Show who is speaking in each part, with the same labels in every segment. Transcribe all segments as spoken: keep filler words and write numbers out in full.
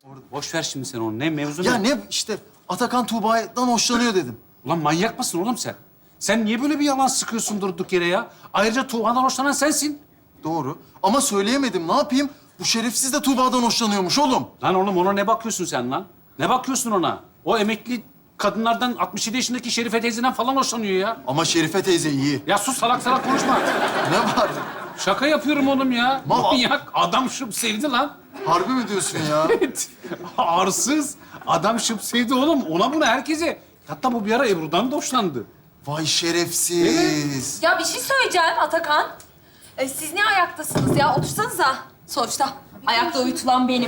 Speaker 1: Boş ver şimdi sen onu. Ne mevzu
Speaker 2: Ya
Speaker 1: ne?
Speaker 2: ne işte Atakan Tuğba'dan hoşlanıyor dedim.
Speaker 1: Ulan manyak mısın oğlum sen? Sen niye böyle bir yalan sıkıyorsun durduk yere ya? Ayrıca Tuğhan'dan hoşlanan sensin.
Speaker 2: Doğru. Ama söyleyemedim. Ne yapayım? Bu şerefsiz de Tuğba'dan hoşlanıyormuş oğlum.
Speaker 1: Lan oğlum ona ne bakıyorsun sen lan? Ne bakıyorsun ona? O emekli kadınlardan altmış yedi yaşındaki Şerife teyzeden falan hoşlanıyor ya.
Speaker 2: Ama Şerife teyze iyi.
Speaker 1: Ya sus salak salak konuşma.
Speaker 2: Ne var?
Speaker 1: Şaka yapıyorum oğlum ya.
Speaker 2: Mal-
Speaker 1: Manyak adam şıp sevdi lan.
Speaker 2: Harbi mi diyorsun ya?
Speaker 1: Evet. Arsız. Adam şıp sevdi oğlum. Ona buna herkese. Hatta bu bir ara Ebru'dan da hoşlandı.
Speaker 2: Vay şerefsiz.
Speaker 3: Ya bir şey söyleyeceğim Atakan. Ee, siz niye ayaktasınız ya? Otursanıza. Sonuçta ayakta uyutulan benim.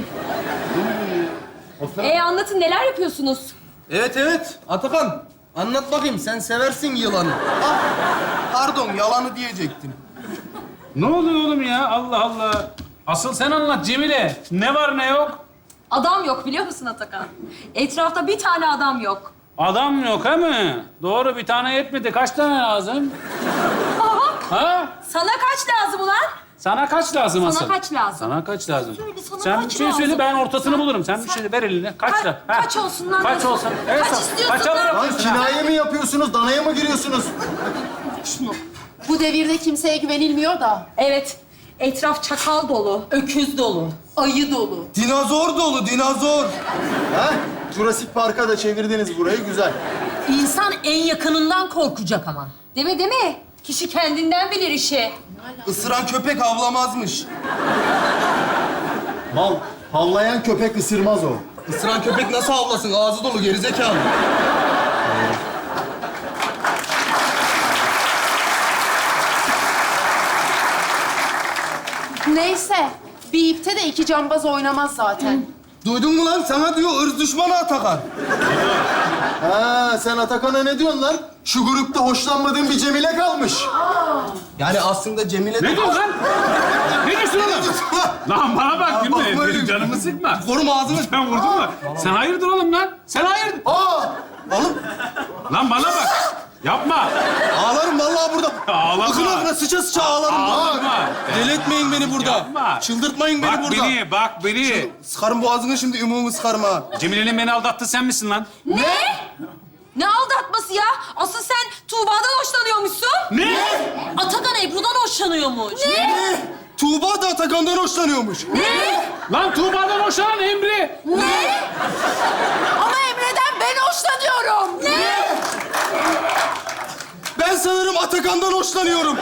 Speaker 3: Ee, anlatın neler yapıyorsunuz?
Speaker 4: Evet evet Atakan anlat bakayım sen seversin yılanı. Ah, pardon yalanı diyecektim.
Speaker 1: Ne oluyor oğlum ya? Allah Allah. Asıl sen anlat Cemile. Ne var ne yok?
Speaker 3: Adam yok biliyor musun Atakan? Etrafta bir tane adam yok.
Speaker 1: Adam yok he mi? Doğru bir tane yetmedi. Kaç tane lazım? Ha?
Speaker 3: Sana kaç lazım ulan?
Speaker 1: Sana kaç lazım
Speaker 3: Sana
Speaker 1: asıl?
Speaker 3: kaç lazım?
Speaker 1: Sana kaç lazım?
Speaker 3: Söyle, sana
Speaker 1: Sen
Speaker 3: kaç
Speaker 1: bir şey
Speaker 3: lazım?
Speaker 1: söyle ben ortasını
Speaker 3: Sen-
Speaker 1: bulurum. Sen, bir
Speaker 3: sen-
Speaker 1: şey ver eline. Kaç
Speaker 3: Ka-
Speaker 1: da? Ha?
Speaker 3: kaç olsun lan?
Speaker 1: Kaç olsun? Evet,
Speaker 3: Kaç
Speaker 1: sor.
Speaker 3: istiyorsun
Speaker 1: Kaça
Speaker 3: lan?
Speaker 1: bırakıyorsun?
Speaker 2: Lan kinaye mi yapıyorsunuz? Danaya mı giriyorsunuz?
Speaker 5: Bu devirde kimseye güvenilmiyor da.
Speaker 3: Evet. Etraf çakal dolu, öküz dolu.
Speaker 5: Ayı dolu.
Speaker 4: Dinozor dolu dinozor.
Speaker 2: Ha? Jurassic Park'a da çevirdiniz burayı. Güzel.
Speaker 6: İnsan en yakınından korkacak ama.
Speaker 3: Değil mi, değil mi? Kişi kendinden bilir işi.
Speaker 4: Isıran köpek avlamazmış.
Speaker 2: Mal, havlayan köpek ısırmaz o.
Speaker 4: Isıran köpek nasıl avlasın? Ağzı dolu gerizekalı.
Speaker 5: Neyse. Bir ipte de iki cambaz oynamaz zaten.
Speaker 4: Duydun mu lan? Sana diyor ırz düşmanı Atakan.
Speaker 2: Ha, sen Atakan'a ne diyorsun lan? Şu grupta hoşlanmadığın bir Cemile kalmış.
Speaker 4: Yani aslında Cemile...
Speaker 1: Ne diyorsun lan? Ne diyorsun oğlum? Lan bana bak
Speaker 4: bakma
Speaker 1: gülme.
Speaker 4: öyle.
Speaker 1: Benim canımı sıkma.
Speaker 4: Korum ağzını.
Speaker 1: Sen vurdun mu? Sen hayırdır oğlum lan? Sen hayırdır?
Speaker 4: Aa! Oğlum
Speaker 1: Lan bana bak. Yapma.
Speaker 4: ağlarım vallahi burada.
Speaker 1: Ağlama.
Speaker 4: Akın akına sıça sıça ağlarım.
Speaker 1: Ağlama.
Speaker 4: Bak. Deli etmeyin beni burada.
Speaker 1: Yapma.
Speaker 4: Çıldırtmayın beni
Speaker 1: Bak
Speaker 4: burada.
Speaker 1: beni, bak beni.
Speaker 4: Sıkarım boğazını şimdi ümumi sıkarım ha.
Speaker 1: Cemile'nin beni aldattı sen misin lan?
Speaker 3: Ne? Ne aldatması ya? Asıl sen Tuğba'dan hoşlanıyormuşsun.
Speaker 1: Ne?
Speaker 6: Atakan Ebru'dan hoşlanıyormuş.
Speaker 4: Ne? Tuğba da Atakan'dan hoşlanıyormuş.
Speaker 1: Lan Tuğba'dan hoşlanan Emre.
Speaker 3: Ne?
Speaker 5: Ama Emre'den ben hoşlanıyorum.
Speaker 3: Ne?
Speaker 4: Ben sanırım Atakan'dan hoşlanıyorum.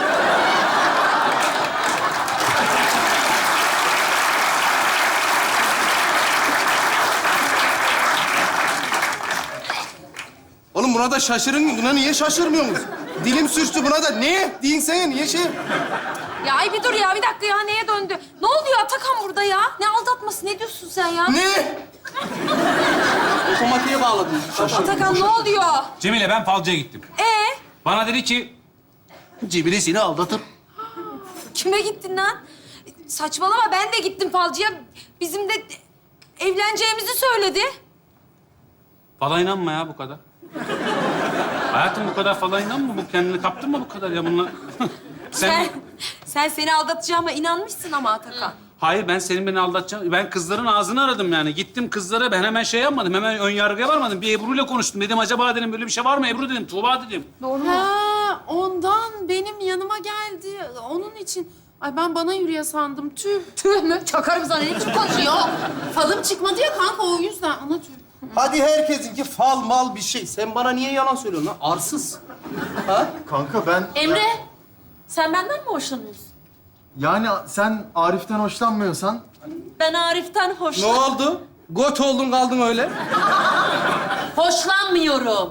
Speaker 4: Oğlum buna da şaşırın. Buna niye şaşırmıyorsunuz? Dilim sürçtü buna da. Ne? Deyin sen niye şey?
Speaker 3: Ya ay bir dur ya, bir dakika ya. Neye döndü? Ne oluyor Atakan burada ya? Ne aldatması? Ne diyorsun sen ya?
Speaker 4: Ne? Otomatiğe bağladım.
Speaker 3: Atakan ne oluyor?
Speaker 1: Cemile ben falcıya gittim.
Speaker 3: Ee,
Speaker 1: Bana dedi ki Cemile seni aldatır.
Speaker 3: kime gittin lan? Saçmalama, ben de gittim falcıya. Bizim de evleneceğimizi söyledi.
Speaker 1: Fala inanma ya bu kadar. Hayatım bu kadar fala inanma. Bu kendini kaptın mı bu kadar ya bununla? sen...
Speaker 3: Sen, sen seni aldatacağıma inanmışsın ama Atakan.
Speaker 1: Hayır ben senin beni aldatacağım. Ben kızların ağzını aradım yani. Gittim kızlara ben hemen şey yapmadım. Hemen ön yargıya varmadım. Bir Ebru'yla konuştum. Dedim acaba dedim böyle bir şey var mı Ebru dedim. Tuğba dedim.
Speaker 5: Ha, ondan benim yanıma geldi. Onun için. Ay ben bana yürüye sandım. Tüh.
Speaker 3: Tüh mü? Çakarım sana. Ne biçim konuşuyor?
Speaker 5: Yok. Falım çıkmadı ya kanka o yüzden. Ana tüh.
Speaker 4: Hadi herkesinki fal mal bir şey. Sen bana niye yalan söylüyorsun lan? Arsız. Ha?
Speaker 2: Kanka ben...
Speaker 6: Emre, sen benden mi hoşlanıyorsun?
Speaker 2: Yani sen Arif'ten hoşlanmıyorsan...
Speaker 6: Ben Arif'ten
Speaker 4: Ne
Speaker 6: hoşlan...
Speaker 4: oldu? Got oldun kaldın öyle.
Speaker 6: Hoşlanmıyorum.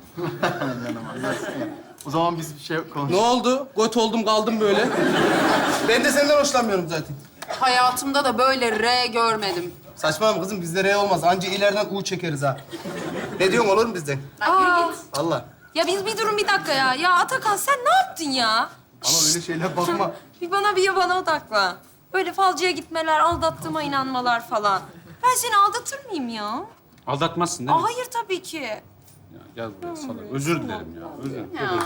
Speaker 2: O zaman biz bir şey konuş.
Speaker 4: Ne oldu? Got oldum kaldım böyle. Ben de senden hoşlanmıyorum zaten.
Speaker 5: Hayatımda da böyle R görmedim.
Speaker 4: Saçmalama kızım bizde R olmaz. Anca ileriden U çekeriz ha. Ne diyorsun olur mu bizden?
Speaker 3: Aa,
Speaker 4: Allah.
Speaker 3: ya biz bir durun bir dakika ya. Ya Atakan sen ne yaptın ya?
Speaker 4: Bana öyle şeyler bakma.
Speaker 3: Bir bana bir bana odakla. Böyle falcıya gitmeler, aldattığıma inanmalar falan. Ben seni aldatır mıyım ya?
Speaker 1: Aldatmazsın değil mi?
Speaker 3: Aa, hayır tabii ki.
Speaker 1: Ya, gel buraya salak. Özür dilerim ya. Özür dilerim.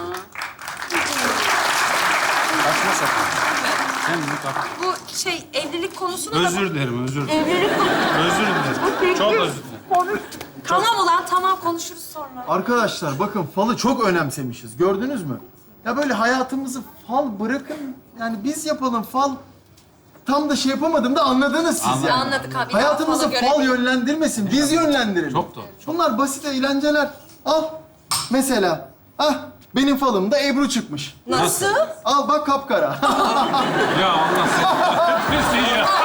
Speaker 1: Saçma sapan. Sen bunu tak.
Speaker 3: Bu şey evlilik konusunu da...
Speaker 1: Özür dilerim, özür dilerim.
Speaker 3: Evlilik konusu...
Speaker 1: Özür dilerim. Çok özür dilerim.
Speaker 3: Tamam ulan tamam konuşuruz sonra.
Speaker 2: Arkadaşlar bakın falı çok önemsemişiz. Gördünüz mü? Ya böyle hayatımızı fal bırakın. Yani biz yapalım fal. Tam da şey yapamadım da anladınız siz
Speaker 1: Anladım.
Speaker 2: yani.
Speaker 3: Anladık abi.
Speaker 2: Hayatımızı
Speaker 3: Fala göre
Speaker 2: fal
Speaker 3: değil.
Speaker 2: yönlendirmesin. Biz yönlendirelim.
Speaker 1: Çok doğru.
Speaker 2: Bunlar basit eğlenceler. Al. Mesela. Ah benim falımda Ebru çıkmış.
Speaker 3: Nasıl?
Speaker 2: Al bak kapkara.
Speaker 1: Ya Allah seni kahretmesin ya.